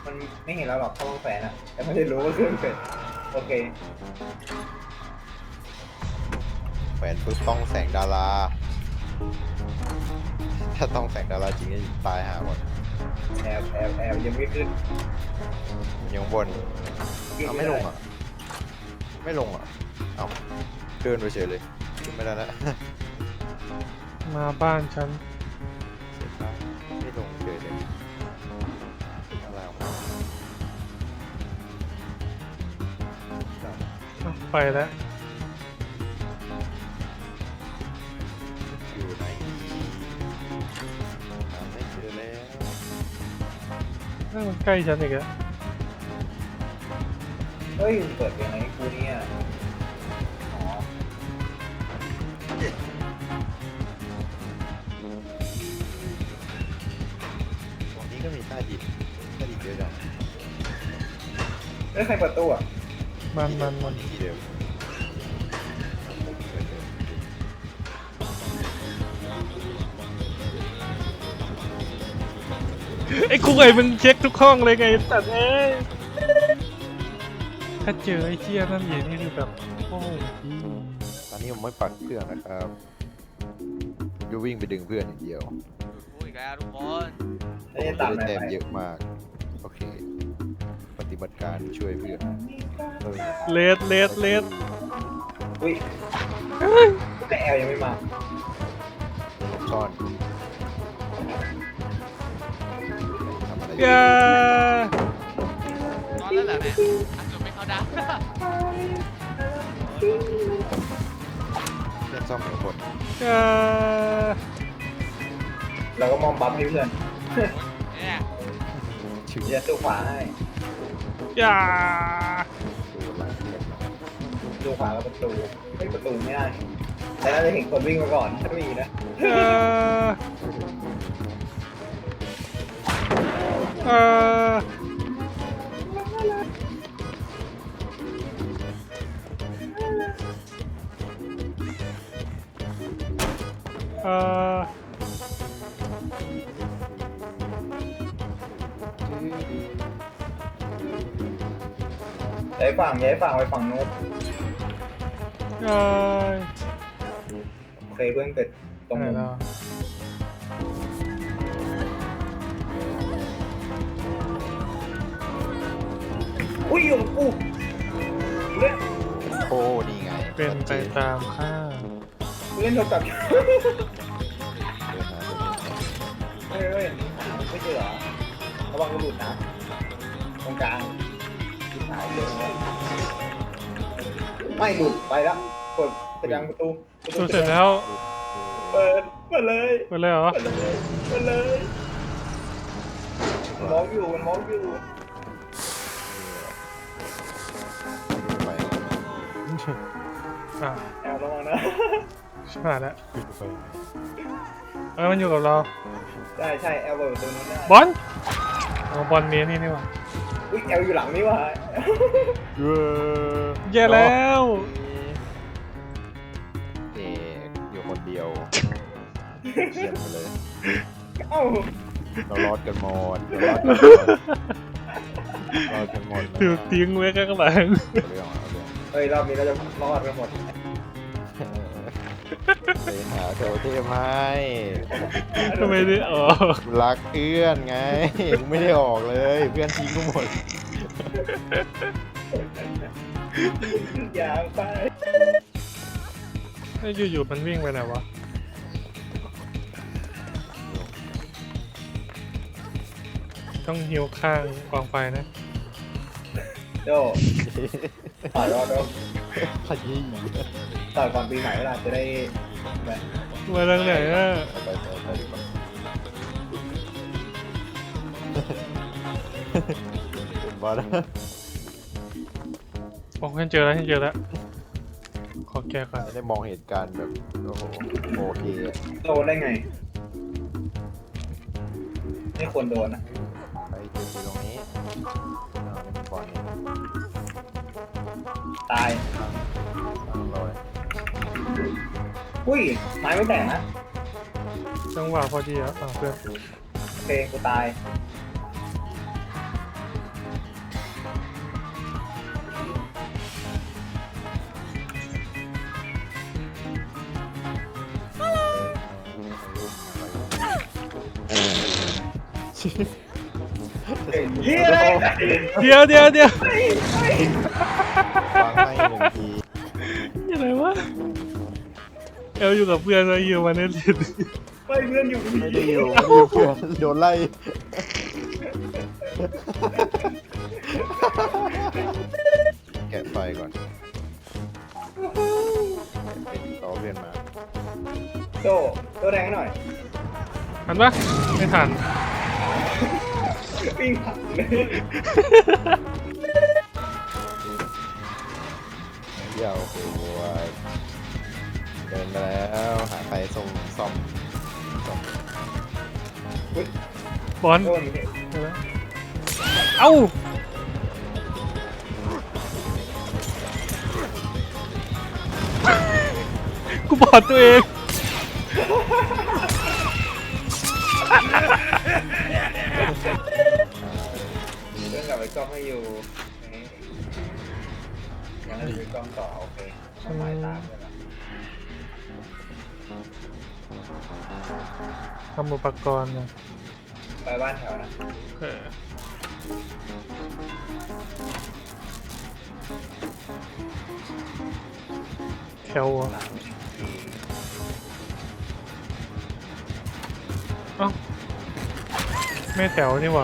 มันไม่เห็นเราหรอกถ้ามันแฝงอ่ะแต่ไม่ได้รู้ว่าเครื่องเป็นโอเคแขวนปุ๊บต้องแสงดารา ถ้าต้องแสงดาราจริงก็ตายหาหมดแอบยังไม่ขึ้นยังบนเอาไม่ลงอ่ะ ไม่ลงอ่ะ เอาเดินไปเฉยเลยขึ้นไม่ได้แล้วมาบ้านฉันเสียดายไม่ลงเฉยเลยอะไรออกมาไปแล้วอยู่ไหนหาไม่เจอแล้วนั่นมันใกล้ฉันอีกแล้วเฮ้ยเปิดยังไงกูเนี่ยอ๋อตรงนี้ก็มีใต้ดินเยอะจังแล้วใครเปิดตู้อ่ะมันที่เดิมไอ้คุกไอ้มึงเช็คทุกห้องเลยไงแต่เอ้ยถ้าเจอไอ้เชี่ยนั่นอย่างนี้คือแบบโอ้โหตอนนี้ผมไม่ปักเครื่องนะครับจะวิ่งไปดึงเพื่อนอย่างเดียวพูดอีกแล้วทุกคนแล้วจะตามได้ไหนแต้มไปเยอะมาก โอเค ปฏิบัติการช่วยเพื่อนเออเลสอุ้ยแต่แอลยังไม่มาซ่อนทำอะไรอยู่อย่าตอนนั้นแหละเนี่ยอันจบไม่เข้าดังเพื่อนซ่อมหนึ่งคนอย่าเราก็มองบัฟให้เพื่อนเนี่ยชิวจะสู้ขวาให้อย่าดูหลังเพื่อนดูขวากับประตูไม่ประตูไม่ได้แต่น่าจะเห็นคนวิ่งมาก่อนถ้ามีนะอย่าเอ่อย้ายฝั่งไปฝั่งโน้นเอ่อเคยเพื่อนเกิดตรงไหนนู้นแล้วอุ้ยอยู่กับกูเล่นโอ้นี่ไงเป็นไปตามค่าดเล่นโทรศัพท์เดินหาเพื่อนเฮ้ยไม่เจอเหรอระวังกระหลุดนะตรงกลางหายเลยไม่หลุดไปแล้วกดกระดังประตูดูเสร็จแล้วเปิดเลยไปเลยเหรอเปิดเลยมันมองอยู่ไปอ่ะแอบระวังนะชิบหายแล้วมันอยู่กับเราใช่แอลเปิดประตูนู้นได้บอลเอาบอลเนี้ยนี่หว่าอุ้ยแอลอยู่หลังนี่ว่ะแย่แล้วเอกอยู่คนเดียวเยี่ยมไปเลยเอ้าเรารอดกันหมดรอดกันหมดถูกทิ้งไว้ข้างหลังเรื่องเอาเรื่องเฮ้ยรอบนี้เราจะรอดกันหมดไปหาโทเทมให้ทำไมได้ออกรักเพื่อนไงมึงไม่ได้ออกเลย เพื่อนทิ้งกูหมดอย่าไปไอ้อยู่ๆมันวิ่งไปไหนวะต้องหิวข้างกองไฟนะโดต่อยรอดโดขยี้ต่อยก่อนปีใหม่เวลาจะได้แบบมาทางไหนอ่ะไปดีกว่าเป็นบอสโอ้ฉันเจอแล้วขอแก้ก่อนไม่ได้มองเหตุการณ์แบบโอ้โหโอเคอะโดนได้ไงไม่ควรโดนอ่ะไปเจอตรงนี้เอาเล่นบอลเนี่ยตายตั้งรอยอุ้ยไม้ไม่แตกนะจังหวะพอดีอ่ะเพื่อนโอเคกูตายเฮียอะไรเดี๋ยววางให้หนึ่งทีอะไรวะเอลอยู่กับเพื่อนแล้วอยู่มาเน็ตไม่เพื่อนอยู่ไม่ได้อยู่ไม่ได้อยู่เพื่อนโดนไล่แกะไฟก่อนเป็นต่อเพื่อนมาโตแรงหน่อยทันปะไม่ทันปิ้งผักเลยเดี๋ยวโอ้ยเดินมาแล้วหาใครส่งซ่อมบอลโดนนี่เอ้ากูบอดตัวเองเรื่องกลับไปกล้องให้อยู่ยังไม่ไปกล้องต่อโอเคต้องหมายตามเลยนะทำอุปกรณ์นะไปบ้านแถวนะเออแถวอะเอ้าไม่แถวนี่หว่า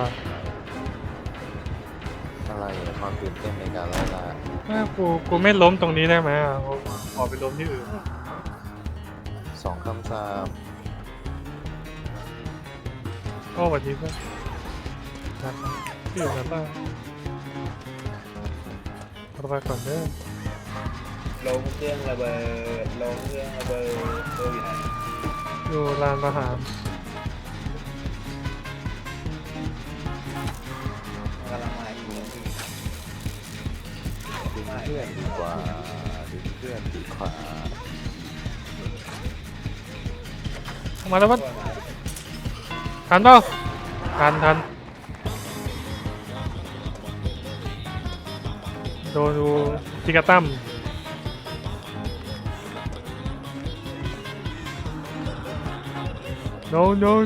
อะไรอะความตื่นเต้นในการไล่ล่ากูไม่ล้มตรงนี้ได้ไหมอ่ะขอไปล้มที่อื่น 2 คำสาปโอ้สวัสดีเพื่อนครับที่อยู่กันบ้างเราไปก่อนเด้อลงเครื่องระเบิดลงเครื่องระเบิดตัวอยู่ไหนอยู่ลานประหารกำลังมาอีกทีดึงเพื่อนดีกว่าดึงเพื่อนดีกว่ามาแล้วตัวัวดมาทันเปล่าทันโดนดูจิกาตั้ม no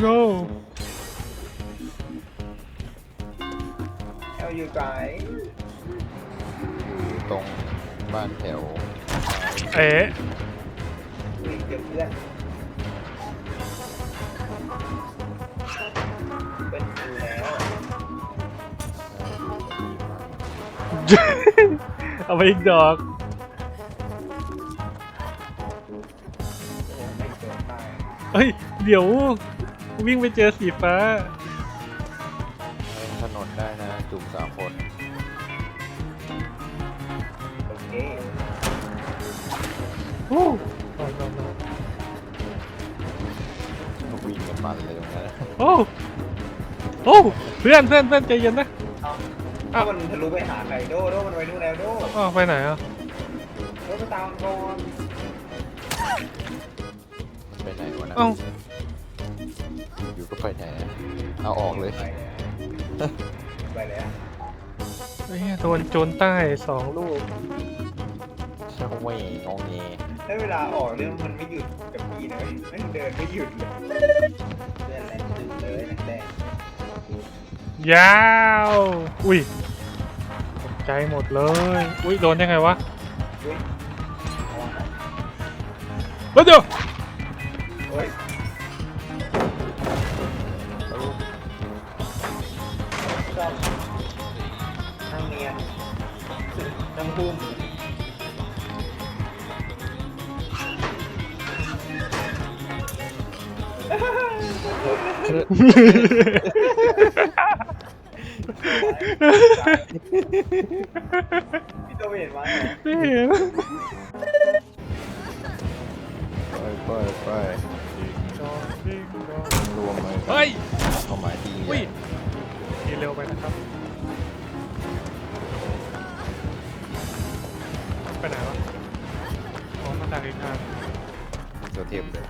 เอาอยู่ไกลอยู่ตรงบ้านแถวเอ๊ะวิ่งเจอเพื่อนเป็นอยู่แล้วเอาไปอีกดอกโอ้ไม่เจอใต้เฮ้ยเดี๋ยววิ่งไปเจอสีฟ้าเล่นถนนได้นะจุ่ม3 คนโอเคโอ้วิ่งกันมันเลยตรงนั้นโอ้เพื่อนใจเย็นนะถ้ามันทะลุไปหาใครโดมันไปนู่นแล้วโดอ้าวไปไหนอ่ะไปตามก่อนไปไหนวะนะเอ้าอยู่ก็ไปไหนอะเอาออกเลยไปแล้วไปแล้วไอ้เหี้ยโดนโจรใต้2 ลูกช่างไม่งองเงถ้าเวลาออกเนี่ยมันไม่หยุดกับพี่นะไม่เดินไม่หยุดเลยเดินแรงตึงเลยแรงยาวอุ้ยตกใจหมดเลยอุ้ยโดนยังไงวะอุ้ยเฮ้ยเดี๋ยวโอ้ยชอบนั่งเนียนนั่งพุ่ม พี่โตไม่เห็นมั้ยไม่เห็นไปรวมเลยเฮ้ยเข้าหมายที่อุ้ยขี่เร็วไปนะครับไปไหนวะอ๋อมาจากอีกทางตัวเทียมเลย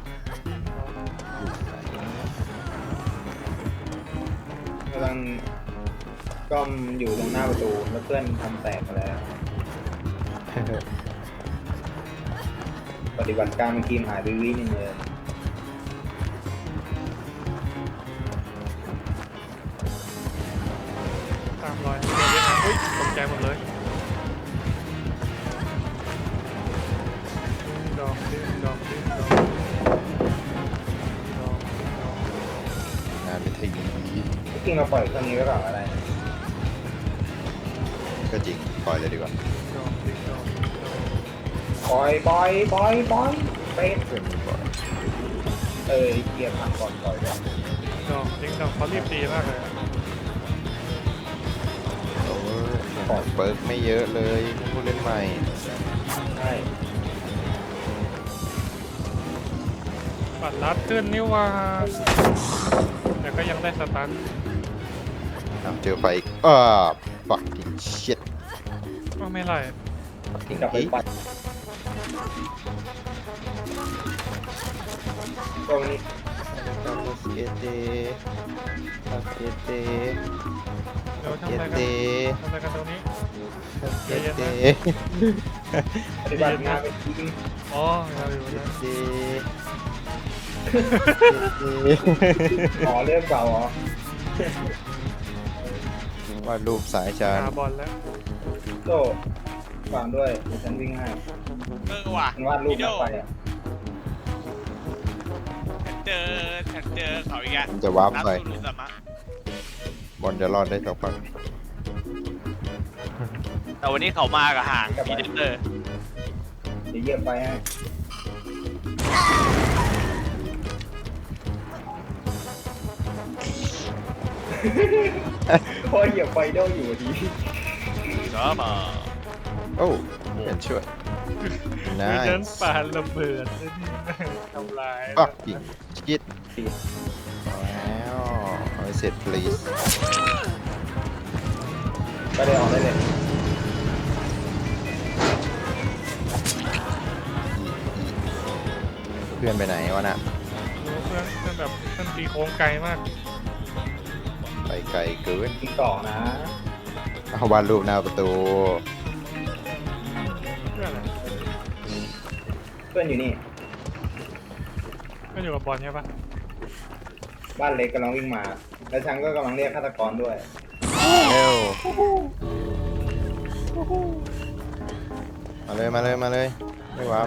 กำลังก้อมอยู่ตรงหน้าประตูแล้วเพื่อนทำแตกไปแล้ว ปฏิบัติการเป็นทีมหายไปวินึงเลยใจหมดเลยดอกดิ้งดอกดิ้งดอกดอกดอกงานเป็นทีจริงเราปล่อยเครื่องนี้ไว้ก่อนอะไรก็จริงปล่อยเลยดีกว่าดอกดิ้งดอกดิ้งดอกปล่อยเป็ดเพื่อนมันบอกเกียร์พังก่อนปล่อยก่อนดอกดิ้งดอกเขารีบตีมากเลยอะโอ้ยเปิร์กไม่เยอะเลยผู้เล่นใหม่ใช่ปัดลัดขึ้นนี่ว่าแต่ก็ยังได้สตันเจอไฟอีกfucking shit ก็ไม่ไร fucking กลับไป hate ปัดตรงนี้เอเตเอเตเดี๋ยวทำเออะไรเตกันทำอะไรกันตรงนี้เอเตปฏิบัติงานเป็นทีมอ๋อเราอยู่เอนะเตอ๋อเรื่องเก่าเหรอวาดรูปสายชาญหาบอลแล้วโต้ฟังด้วยเดี๋ยวฉันวิ่งให้ว่ะมันวาดรูปพี่โดนักไปอ่ะฉันเจอเขาอีกแล้วมันจะวาร์ปไปสุรุสมะบอลจะรอดได้สักพักแต่วันนี้เขามากับหางพีเดเตอร์เดี๋ยวเหยียบไปให้พอเหยียบไปโดอยู่ดีสมาโอ้เป็นช่วยมีนายนั้นปาระเบิดไอ้นี่ทำลาย fucking shit แล้วเอาให้เสร็จ please ไปเลยออกได้เลยเพื่อนไปไหนวะน่ะรู้เพื่อนแบบเพื่อนตีโค้งไกลมากไปไกลเกินอีกต่อนะเอาวาดรูปหน้าประตูเพื่อนอะไรเพื่อนอยู่นี่เพื่อนอยู่กับบอลใช่ปะบ้านเล็กกำลังวิ่งมา แล้วฉันก็กำลังเรียกฆาตกรด้วยเร็วมาเลยมาเลยมาเลยไม่วับ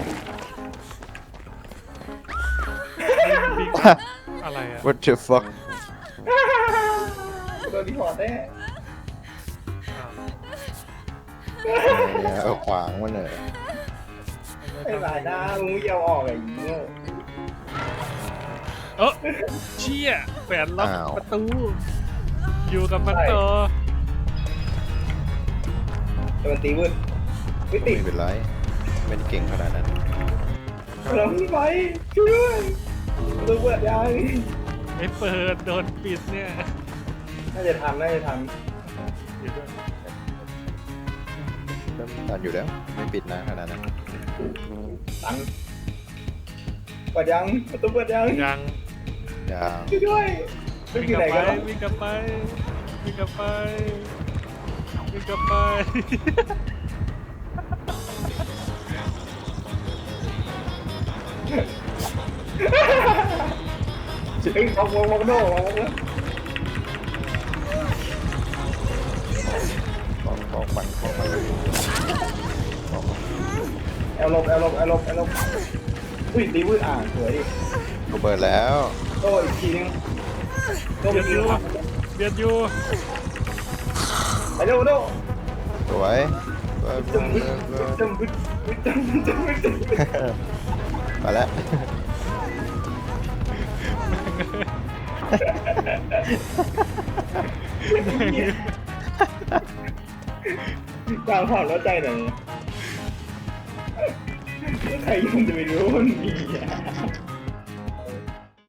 บิ๊กอะไรอะ what the fuck โดนที่พอร์ตแน่อ้าวเอาขวางมันเลยไอ้หลายหน้ามึงไม่ยอมออกไอ้โง่เออเชี่ยแขวนล็อกอ้าวประตู อยู่กับมันต่อแต่มันตีวืดไม่ติดไม่เป็นไรไม่ได้เก่งขนาดนั้นเราไม่ไปช่วยด้วยตัวเปิดยังไม่เปิดโดนปิดเนี่ยน่าจะทันอยู่ด้วยตันอยู่แล้วไม่ปิดนะขนาดนั้นตันเปิดยังประตูเปิดยังยังอย่างช่วยด้วยไม่วิ่งอยู่กไหนลับไปกันวะวิ่งกลับไปวิ่งกลับไปวิ่งกลับไปเฮ้ยมองโน่มองโน่ของปั่นของมันแอลลบอุ้ยตีวืดสวยดิกูเปิดแล้วโต้อีกทีนึงโต้ไปเบียดทีอยู่นึงเบียดอยู่ไปเร็วโต้สวยจึ้มบึ้ดจึ้มบึ้ดจึ้มบึ้ดจึ้มบึ้ดจึ้มบึ้ดมาแล้วกลางผ่อนแล้วใจหน่อยใครยังจะไปรู้ว่ามันมีอ่ะ